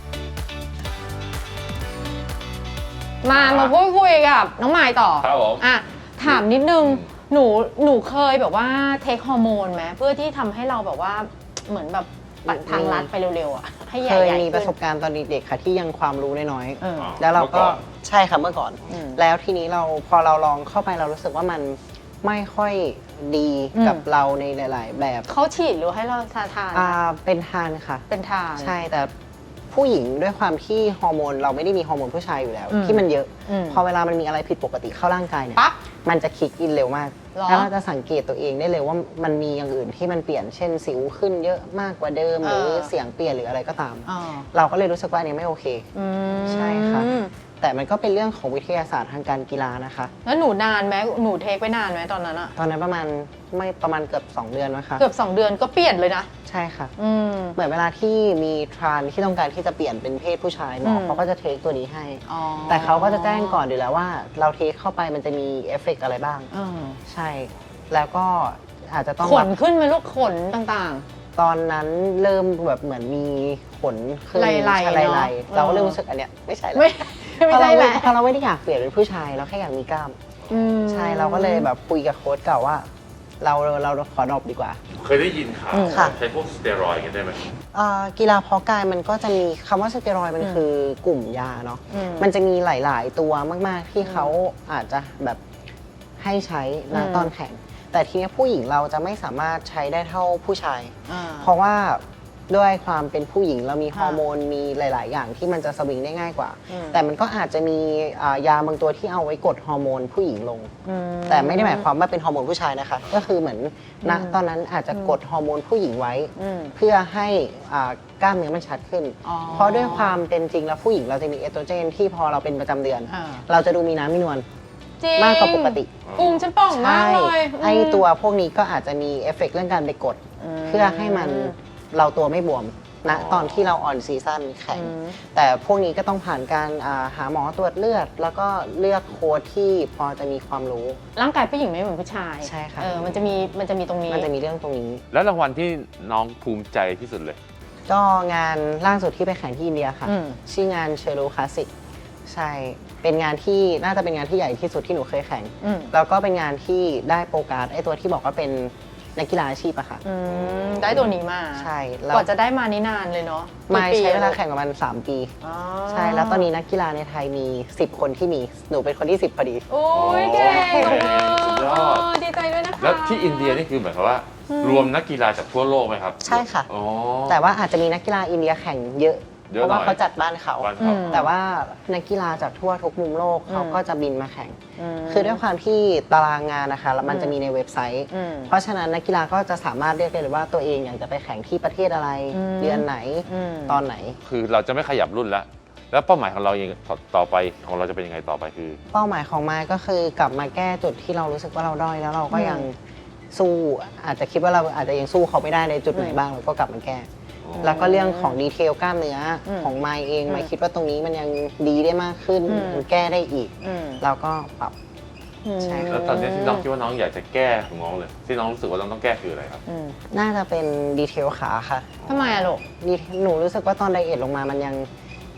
Speaker 1: มาพูดคุยกับน้องไมายต่อ
Speaker 2: ครับผม
Speaker 1: ถามนิดนึง
Speaker 2: อืม
Speaker 1: หนูเคยแบบว่าเทคฮอร์โมนไหมเพื่อที่ทำให้เราแบบว่าเหมือนแบบปัดทางลัดไปเร็วๆอ่ะให้ให
Speaker 3: เค
Speaker 1: ญ่
Speaker 3: ย
Speaker 1: ๆ
Speaker 3: มีประส
Speaker 1: ขึ้
Speaker 3: บการณ์ตอนเด็กๆค่ะที่ยังความรู้น้อย
Speaker 1: เออ
Speaker 3: ๆแล้วเราก็
Speaker 2: เมื่อก่อน
Speaker 3: ใช่ค่ะเมื่อก่อน
Speaker 1: อืม
Speaker 3: แล้วทีนี้พอเราลองเข้าไปเรารู้สึกว่ามันไม่ค่อยดีกับ
Speaker 1: อืม
Speaker 3: เราในหลาย ๆ แบบ
Speaker 1: เขาฉีดหรือให้เราทาน
Speaker 3: เป็นทานค่ะ
Speaker 1: เป็นทาน
Speaker 3: ใช่แต่ผู้หญิงด้วยความที่ฮอร์โมนเราไม่ได้มีฮอร์โมนผู้ชายอยู่แล้ว
Speaker 1: อืม
Speaker 3: ที่มันเยอะ
Speaker 1: อืม
Speaker 3: พอเวลามันมีอะไรผิดปกติเข้าร่างกายเนี่ย
Speaker 1: ปั๊บ
Speaker 3: มันจะคิกอินเร็วมาก
Speaker 1: หรอ
Speaker 3: แล้วเราจะสังเกตตัวเองได้เลยว่ามันมีอย่างอื่นที่มันเปลี่ยนเช่นสิวขึ้นเยอะมากกว่าเดิมหรือเสียงเปลี่ยนหรืออะไรก็ตาม
Speaker 1: อ๋อ
Speaker 3: เราก็เลยรู้สึกว่าอันนี้ไม่โอเค
Speaker 1: อืม
Speaker 3: ใช่ค่ะ แต่มันก็เป็นเรื่องของวิทยาศาสตร์ทางการกีฬานะคะ
Speaker 1: แล้วหนูนานไหมหนูเทคไปนานไหมตอนนั้นอะ
Speaker 3: ตอนนั้นประมาณเกือบ2 เดือนนะคะ
Speaker 1: เกือบ2 เดือนก็เปลี่ยนเลยนะ
Speaker 3: ใช่ค่ะ
Speaker 1: อืม
Speaker 3: เหมือนเวลาที่มีทรานที่ต้องการที่จะเปลี่ยนเป็นเพศผู้ชายหมอ
Speaker 1: อืม
Speaker 3: เขาก็จะเทคตัวนี้ให้
Speaker 1: อ๋อ
Speaker 3: แต่เขาก็จะแจ้งก่อนอยู่แล้วว่าเราเทคเข้าไปมันจะมีเอฟเฟกต์อะไรบ้าง
Speaker 1: เออ
Speaker 3: ใช่ แล้วก็อาจจะต้อง
Speaker 1: ข
Speaker 3: รั
Speaker 1: น
Speaker 3: บ
Speaker 1: ขึ้นไหมลูกขนต่าง
Speaker 3: ตอนนั้นเริ่มแบบเหมือนมีขนขึ้น
Speaker 1: ไล่ๆ
Speaker 3: ใช่
Speaker 1: เนอะ
Speaker 3: ไล่ๆเราก็เริ่มรู้สึกอันเนี้ยไม่ใช่
Speaker 1: ๆ
Speaker 3: แล้ว
Speaker 1: ไม่ ไม่ใช่แหละ
Speaker 3: เพราะเราไม่ได้อยากเปลี่ยนเป็นผู้ชายเราแค่อยากมีกล้าม
Speaker 1: อืม
Speaker 3: ใช่เราก็เลยแบบคุยกับโค้ชเก่าว่า เราขอดรอปดีกว่า
Speaker 2: เคยได้ยินข่าว
Speaker 3: ค่ะ
Speaker 2: ใช้พวกสเตียรอยด์กันได้ไหม
Speaker 3: กีฬาเพาะกายมันก็จะมีคำว่าสเตียรอยด์มันคือกลุ่มยาเนาะ
Speaker 1: อืม
Speaker 3: มันจะมีหลาย ๆ ตัวมาก ๆ ที่เขาอาจจะแบบให้ใช้ณ
Speaker 1: อืม
Speaker 3: ตอนแข่ง แต่ทีนี้ผู้หญิงเราจะไม่สามารถใช้ได้เท่าผู้ชาย
Speaker 1: อ่า
Speaker 3: เพราะว่าด้วยความเป็นผู้หญิงเรามี
Speaker 1: ค่ะ
Speaker 3: ฮอร์โมนมีหลาย ๆ อย่างที่มันจะสวิงได้ง่ายกว่า
Speaker 1: อืม
Speaker 3: แต่มันก็อาจจะมียาบางตัวที่เอาไว้กดฮอร์โมนผู้หญิงลง
Speaker 1: อื
Speaker 3: แต่ไม่ได้หมายความว่าเป็นฮอร์โมนผู้ชายนะคะ ก็คือเหมือนณ
Speaker 1: อืม
Speaker 3: ตอนนั้นอาจจะกดฮอร์โมนผู้หญิงไว้
Speaker 1: อืม
Speaker 3: เพื่อให้กล้ามเนื้อมันชัดขึ้น
Speaker 1: อ๋อ
Speaker 3: เพราะด้วยความเป็นจริงแล้วผู้หญิงเราจะมีเอสโตรเจนที่พอเราเป็นประจำเดือน
Speaker 1: อ่า
Speaker 3: เราจะดูมีน้ำมีนวล
Speaker 1: จริง
Speaker 3: มากกว่าปกติ
Speaker 1: พุงฉันป่องมากเลย
Speaker 3: ไอตัวพวกนี้ก็อาจจะมีเอฟเฟกต์เรื่องการไปกด
Speaker 1: ม
Speaker 3: เพื่อให้มันเราตัวไม่บวมณ
Speaker 2: อ๋อ
Speaker 3: ตอนที่เราออนซีซั่นแข่ง
Speaker 1: อืม
Speaker 3: แต่พวกนี้ก็ต้องผ่านการหาหมอตรวจเลือด แล้วก็เลือกโค้ชที่พอจะมีความรู้
Speaker 1: ร่างกายผู้หญิงไม่เหมือนผู้ชาย
Speaker 3: ใช่ค่ะ
Speaker 1: มันจะมีตรงนี้
Speaker 3: มันจะมีเรื่องตรงนี้
Speaker 2: แล้วรางวัลที่น้องภูมิใจที่สุดเลย
Speaker 3: ก็งานล่าสุดที่ไปแข่งที่อินเดียค่ะ
Speaker 1: อืม
Speaker 3: ชื่องานเชโรคลาสสิกใช่ เป็นงานที่น่าจะเป็นงานที่ใหญ่ที่สุดที่หนูเคยแข่ง
Speaker 1: อืม
Speaker 3: แล้วก็เป็นงานที่ได้โปรการ์ดไอตัวที่บอกว่าเป็นนักกีฬาอาชีพอะค่ะ
Speaker 1: อืมได้ตัวนี้มา
Speaker 3: ใช่แล้ว
Speaker 1: กว่าจะได้มานี่นานเลยเนาะ
Speaker 3: มา
Speaker 1: กี่ปี
Speaker 3: ใช้เวลา
Speaker 1: อะ
Speaker 3: แข่งประมาณ3 ปี
Speaker 1: อ๋อ
Speaker 3: ใช่ แล้วตอนนี้นักกีฬาในไทยมี 10 คนที่มี หนูเป็นคนที่ 10 พอดี
Speaker 1: โอ้ยเก่ง
Speaker 2: โอ้ยสุดยอด
Speaker 1: ดีใจด้วยนะคะ
Speaker 2: แล้วที่อินเดียนี่คือหมายความว่า รวมนักกีฬาจากทั่วโลกไหมครับ
Speaker 3: ใช่ค่ะ
Speaker 2: อ๋อ
Speaker 3: แต่ว่าอาจจะมีนักกีฬาอินเดียแข่งเยอะ
Speaker 2: เยอะ
Speaker 3: เพราะว่า
Speaker 2: หน่อย
Speaker 3: เขาจัดบ้านเขา
Speaker 2: บ้านเขา
Speaker 3: แต่ว่านักกีฬาจากทั่วทุกมุมโลกเขาก็จะบินมาแข่ง
Speaker 1: ม
Speaker 3: คือด้วยความที่ตารางงานนะคะแล้วมันจะมีในเว็บไซต์
Speaker 1: อืม
Speaker 3: เพราะฉะนั้นนักกีฬาก็จะสามารถเลือกได้เลยว่าตัวเองอยากจะไปแข่งที่ประเทศอะไร
Speaker 1: อืม
Speaker 3: เดือนไหน
Speaker 1: อืม
Speaker 3: ตอนไหน
Speaker 2: คือเราจะไม่ขยับรุ่นแล้ว แล้วเป้าหมายของเราเองต่อไปของเราจะเป็นยังไงต่อไปคือ
Speaker 3: เป้าหมายของไม้ก็คือกลับมาแก้จุดที่เรารู้สึกว่าเราด้อยแล้วเราก็ยังสู้อาจจะคิดว่าเราอาจจะยังสู้เขาไม่ได้ในจุดไหนบ้างเราก็กลับมาแก้ แล้วก็เรื่องของดีเทลกล้ามเนื้ออ
Speaker 1: ม
Speaker 3: ของไม้เอง
Speaker 1: อืม
Speaker 3: ไม้คิดว่าตรงนี้มันยังดีได้มากขึ้น
Speaker 1: อืม
Speaker 3: มันแก้ได้อีก
Speaker 1: อืม
Speaker 3: เราก็ปรับ ใช่ค่ะ
Speaker 2: แล้วตอนนี้ที่น้องคิดว่าน้องอยากจะแก้ของน้องเลย ที่น้องรู้สึกว่าน้องต้องแก้คืออะไรครับ
Speaker 1: อืม
Speaker 3: น่าจะเป็นดีเทลขาค่ะ
Speaker 1: ทำไมอะลูก
Speaker 3: หนูรู้สึกว่าตอนไดเอทลงมามันยัง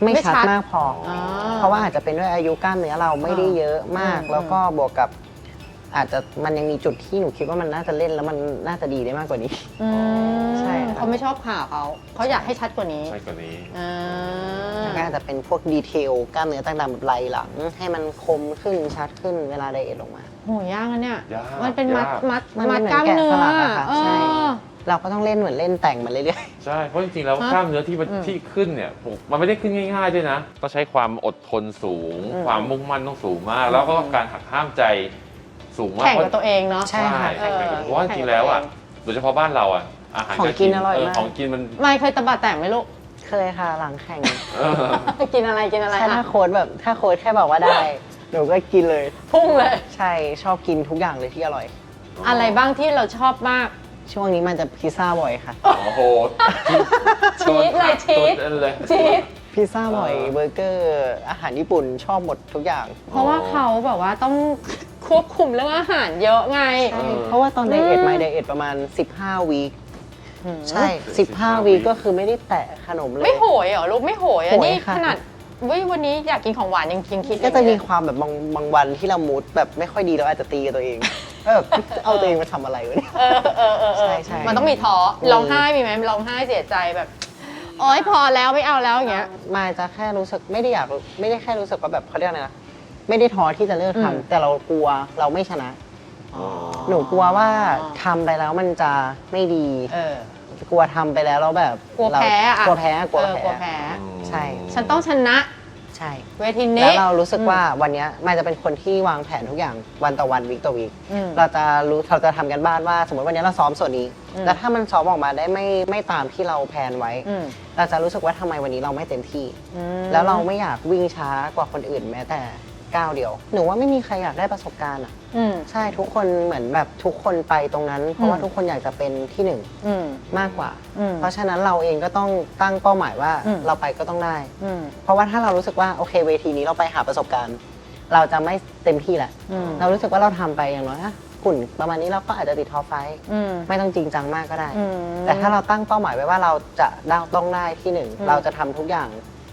Speaker 3: ไม่ชัดมากพอ
Speaker 1: อ่า
Speaker 3: เพราะว่าอาจจะเป็นด้วยอายุกล้ามเนื้อเราไม่ได้เยอะมาก แล้วก็บวกกับ อาจจะมันยังมีจุดที่หนูคิดว่ามันน่าจะเล่นแล้วมันน่าจะดีได้มากกว่านี้
Speaker 1: อืม
Speaker 3: ใช่ครับ
Speaker 1: เขาไม่ชอบขาเขาอยากให้ชัดกว่านี้
Speaker 2: ใช่กว่านี้
Speaker 1: อ่า
Speaker 3: แล้วก็อาจจะเป็นพวกดีเทลกล้ามเนื้อต่างๆแบบไหล่หลัง ให้มันคมขึ้นชัดขึ้นเวลาไดเอทลงมา
Speaker 1: โหยากนะเนี่ย
Speaker 2: ยาก
Speaker 1: มันเป็นมัด
Speaker 2: ยาก
Speaker 1: มัด
Speaker 3: มัน
Speaker 1: มัด
Speaker 3: เหมือน
Speaker 1: กล้ามเนื้อ
Speaker 3: แกะสลักอะค่ะ
Speaker 1: เอ
Speaker 3: ใช่
Speaker 1: อ
Speaker 3: เราก็ต้องเล่นเหมือนเล่นแต่งมันเรื่อย
Speaker 2: ใช่ เพราะจริงๆแล้ว
Speaker 1: ฮะ
Speaker 2: กล้ามเนื้อที่มัน
Speaker 1: อืม
Speaker 2: ที่ขึ้นเนี่ยมันไม่ได้ขึ้นง่ายๆด้วยนะ ต้องใช้ความอดทนสูง
Speaker 1: อืม
Speaker 2: ความมุ่งมั่นต้องสูงมาก แล้วก็การหักห้ามใจสูงมาก
Speaker 1: แข่งกับตัวเองเนาะ
Speaker 3: ใช่ค่ะ
Speaker 2: แข่งกับเพราะว่าจริงๆแล้วอ่ะโดยเฉพาะบ้านเราอ่ะอาหาร
Speaker 3: ของกินอร่อยมาก
Speaker 2: ของกินมัน
Speaker 1: ไม่เคยตะบะแตกไหมลูก
Speaker 3: ๆ เคยค่ะหลังแข่ง
Speaker 2: เออ
Speaker 1: กินอะไรกินอะไร
Speaker 3: แค่ถ้า
Speaker 1: อ่ะ
Speaker 3: โค้ดแบบถ้าโค้ดแค่บอกว่าได้ หนูก็กินเลย
Speaker 1: พุ่งเลย
Speaker 3: ใช่ชอบกินทุกอย่างเลยที่อร่อย
Speaker 1: อะไรบ้างที่เราชอบมาก
Speaker 3: ช่วงนี้มันจะพิซซ่าบ่อยค่ะ
Speaker 2: โอ้โห
Speaker 1: ชีสเลยชีส
Speaker 2: ตัวเลย
Speaker 1: ชีส
Speaker 3: พิซซ่าบ่อยเบอร์เกอร์อาหารญี่ปุ่นชอบหมดทุกอย่าง
Speaker 1: เพราะว่าเขาแบบว่าต้องควบคุมเรื่องอาหารเยอะไง
Speaker 2: เออ
Speaker 3: เพราะว่าตอนไดเอท
Speaker 1: อืม
Speaker 3: มาไดเอทประมาณ 15 วีค
Speaker 1: อืม
Speaker 3: ใช่ 15 วีคก็คือไม่ได้แตะขนมเลย
Speaker 1: ไม่โหยเหรอลูกไม่โหยอ่ะ
Speaker 3: โหย
Speaker 1: นี่
Speaker 3: ค่ะ
Speaker 1: ขนาดเว้ยวันนี้อยากกินของหวานยังคิด
Speaker 3: ก็จะมี
Speaker 1: อย่ง
Speaker 3: ความแบบบางวันที่เรามูดแบบไม่ค่อยดีเราอาจจะตีกับตัวเองแบบเอาตัวเองมาทำอะไรวะเนี่ย
Speaker 1: เออเออเออเออ
Speaker 3: ใช่
Speaker 1: มันต้องมีท้อร้องไห้มีไหมร้องไห้เสียใจแบบโอ๊ยพอแล้วไม่เอาแล้วอย่างเงี้ย
Speaker 3: มาจะแค่รู้สึกไม่ได้แค่รู้สึกว่าแบบเขาเรียกอะไรนะไม่ได้ท้อที่จะเลิก
Speaker 1: อืม
Speaker 3: ทำแต่เรากลัวเราไม่ชนะ หนูกลัวว่าทำไปแล้วมันจะไม่ดี
Speaker 1: เออ
Speaker 3: กลัวทำไปแล้วแล้วแบบ
Speaker 1: กลัวแพ้อะ
Speaker 3: กลัวแพ้กลัว
Speaker 1: เออกลัว
Speaker 3: แพ้
Speaker 1: แพ้
Speaker 3: ใช่
Speaker 1: ฉันต้องชนะ
Speaker 3: ใช่
Speaker 1: เวทีนี้
Speaker 3: แล้วเรารู้สึกว่าวันเนี้ยมันจะเป็นคนที่วางแผนทุกอย่างวันต่อวันวีคต่อวีค
Speaker 1: อืม
Speaker 3: เราจะทำกันบ้านว่าสมมติวันนี้เราซ้อมส่วนนี้
Speaker 1: อืม
Speaker 3: แล้วถ้ามันซ้อมออกมาได้ไม่ตามที่เราแพลนไว้
Speaker 1: อืม
Speaker 3: เราจะรู้สึกว่าทำไมวันนี้เราไม่เต็มที่
Speaker 1: อืม
Speaker 3: แล้วเราไม่อยากวิ่งช้ากว่าคนอื่นแม้แต่ก้าวเดียวหนูว่าไม่มีใครอยากได้ประสบการณ์อ่ะ
Speaker 1: อืม
Speaker 3: ใช่ทุกคนเหมือนแบบทุกคนไปตรงนั้น เพราะว่า
Speaker 1: อืม
Speaker 3: ทุกคนอยากจะเป็นที่หนึ่ง
Speaker 1: อืม
Speaker 3: มากกว่า
Speaker 1: อืม
Speaker 3: เพราะฉะนั้นเราเองก็ต้องตั้งเป้าหมายว่า
Speaker 1: อืม
Speaker 3: เราไปก็ต้องได้
Speaker 1: อืม
Speaker 3: เพราะว่าถ้าเรารู้สึกว่าโอเคเวทีนี้เราไปหาประสบการณ์ เราจะไม่เต็มที่แหละ
Speaker 1: อืม
Speaker 3: เรารู้สึกว่าเราทำไปอย่างน้อยอะหุ่นประมาณนี้เราก็อาจจะติดท็อปไฟว์
Speaker 1: อืม
Speaker 3: ไม่ต้องจริงจังมากก็ได้
Speaker 1: อืม
Speaker 3: แต่ถ้าเราตั้งเป้าหมายไว้ว่าเราจะต้องได้ที่หนึ่ง
Speaker 1: อืม
Speaker 3: เราจะทำทุกอย่าง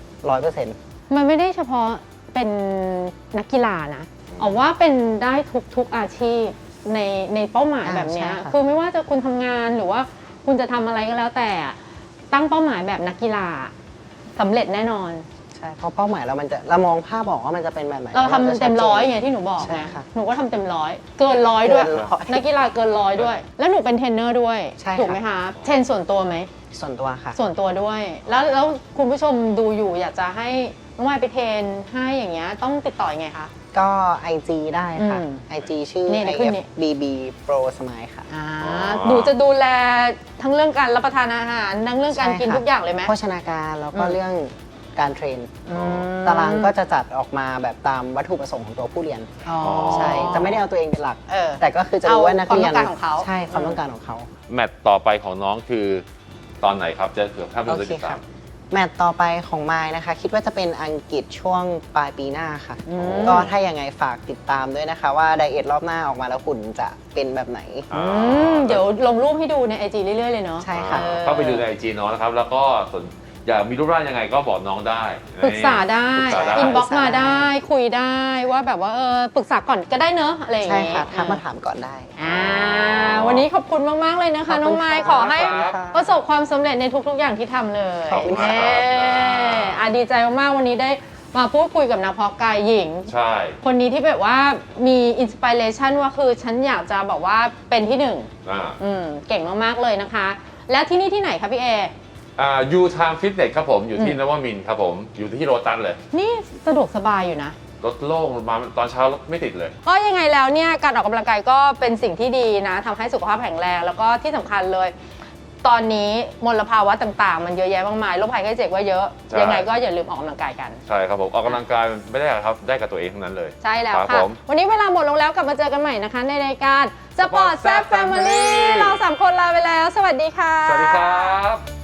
Speaker 3: 100%
Speaker 1: มันไม่ได้เฉพาะเป็นนักกีฬานะเอาว่าเป็นได้ทุกอาชีพในเป้าหมายแบบเนี้ย
Speaker 3: ใช่ค่ะ
Speaker 1: คือไม่ว่าจะคุณทำงานหรือว่าคุณจะทำอะไรก็แล้วแต่ตั้งเป้าหมายแบบนักกีฬาสำเร็จแน่นอน
Speaker 3: ใช่เพราะเป้าหมายเรามองภาพออกว่ามันจะเป็นแบบไหน
Speaker 1: เราทำ
Speaker 3: จะชั
Speaker 1: เต็
Speaker 3: ด
Speaker 1: ม
Speaker 3: จน
Speaker 1: ร้อยไงที่หนูบอก
Speaker 3: ใช่
Speaker 1: ไง
Speaker 3: ค่ะ
Speaker 1: หนูก็ทำเต็มร้อยเกินร้อยด้วย
Speaker 3: เกินร้อย
Speaker 1: นักกีฬาเกินร้อยด้วย แล้วหนูเป็นเทรนเนอร์ด้วย
Speaker 3: ใช่ค่ะ
Speaker 1: ถูกไหมคะเทรนส่วนตัวไหม
Speaker 3: ส่วนตัวค่ะ
Speaker 1: ส่วนตัวด้วย แล้วคุณผู้ชมดูอยู่อยากจะให้น้องวายไปเทรนให้อย่างเงี้ยต้องติดต่อยังไงคะ
Speaker 3: ก็ IG ได้ค่ะ
Speaker 1: อืม
Speaker 3: IG ชื่อ
Speaker 1: นี่เดี๋ยวขึ้นนี่
Speaker 3: IFBB Pro Smile ค่ะ
Speaker 1: หนูจะดูแลทั้งเรื่องการรับประทานอาหารทั้งเรื่องการกิน
Speaker 3: ใช่ค่ะ
Speaker 1: ทุกอย่างเลยไหม
Speaker 3: โภชนาการแล้วก็
Speaker 1: อืม
Speaker 3: เรื่องการเทรน
Speaker 1: อืม
Speaker 3: ตารางก็จะจัดออกมาแบบตามวัตถุประสงค์ของตัวผู้เรียน
Speaker 1: อ๋อ
Speaker 3: ใช่ จะไม่ได้เอาตัวเองเป็นหลัก
Speaker 1: เออ
Speaker 3: แต่ก็คือจะรู้ว่านักเรียน
Speaker 1: เอาความต้องการของเขา
Speaker 3: ใช่ความต้องการของเขา
Speaker 2: แมตต์ต่อไปของน้องคือตอนไหนครับ จะเผื่อภาพเรา
Speaker 3: โอ
Speaker 2: จะ
Speaker 3: เค
Speaker 2: ติด
Speaker 3: ค
Speaker 2: ตา
Speaker 3: รั
Speaker 2: ม
Speaker 3: บ แมตช์ต่อไปของมายนะคะ คิดว่าจะเป็นอังกฤษช่วงปลายปีหน้าค่ะ
Speaker 1: อืม
Speaker 3: ก็ถ้ายังไงฝากติดตามด้วยนะคะ ว่าไดเอทรอบหน้าออกมาแล้วหุ่นจะเป็นแบบไหน
Speaker 2: อ่า
Speaker 1: เดี๋ยวลงรูปให้ดูในไอจีเรื่อยๆเลยเนาะ
Speaker 3: ใช่ค่ะ
Speaker 1: เออ
Speaker 2: เข้าไปดูในไอจีน้องนะครับ แล้วก็อยากมีรูปร่างยังไงก็บอกน้องได้
Speaker 1: ปรึกษาได้
Speaker 2: ปรึกษาได้
Speaker 1: อินบ็อกซ์มาได้คุยได้ว่าแบบว่าปรึกษาก่อนก็ได้เนอะอะไรอย่าง
Speaker 3: ใช่
Speaker 1: เงี้ย
Speaker 3: ค่ะทักมาถามก่อนได้
Speaker 1: วันนี้ขอบคุณมาก ๆ เลยนะคะ
Speaker 3: ขอบคุณ
Speaker 1: น้องไมค์
Speaker 3: ค่ะ
Speaker 1: ขอให้
Speaker 3: ค่ะ
Speaker 1: ประสบความสำเร็จในทุก ๆ อย่างที่ทำเลย
Speaker 3: ขอบคุณค่ะ
Speaker 1: ดีใจมาก ๆ วันนี้ได้มาพูดคุยกับนักเพาะกายหญิง
Speaker 2: ใช่
Speaker 1: คนนี้ที่แบบว่ามีอินสปิเรชันว่าคือฉันอยากจะบอกว่าเป็นที่หนึ่ง
Speaker 2: อ่า
Speaker 1: เก่งมาก ๆ เลยนะคะ แล้วที่นี่ที่ไหนคะพี่เอ
Speaker 2: ยูไทม์ฟิตเนสครับผมอยู่ที่นวมินทร์ครับผมอยู่ที่โรตัสเลย
Speaker 1: นี่สะดวกสบายอยู่นะ
Speaker 2: รถโล่งมาตอนเช้ารถไม่ติดเลย
Speaker 1: ก็ยังไงแล้วเนี่ยการออกกำลังกายก็เป็นสิ่งที่ดีนะทำให้สุขภาพแข็งแรง แล้วก็ที่สำคัญเลย ตอนนี้มลภาวะต่างๆ มันเยอะแยะมากมายโรคภัยไข้เจ็บก็เยอะ
Speaker 2: ใช่
Speaker 1: ยังไงก็อย่าลืมออกกำลังกายกัน
Speaker 2: ใช่ครับผมออกกำลังกายไม่ได้หรอกครับได้กับตัวเองทั้งนั้นเลย
Speaker 1: ใช่แล้ว
Speaker 2: ครับ
Speaker 1: ค่ะ
Speaker 2: ผม
Speaker 1: วันนี้เวลาหมดลงแล้วกลับมาเจอกันใหม่นะคะ ในรายการ Sport Zap Family เรา 3 คนลาไปแล้ว สวัสดีค่ะ
Speaker 2: สวัสดีครับ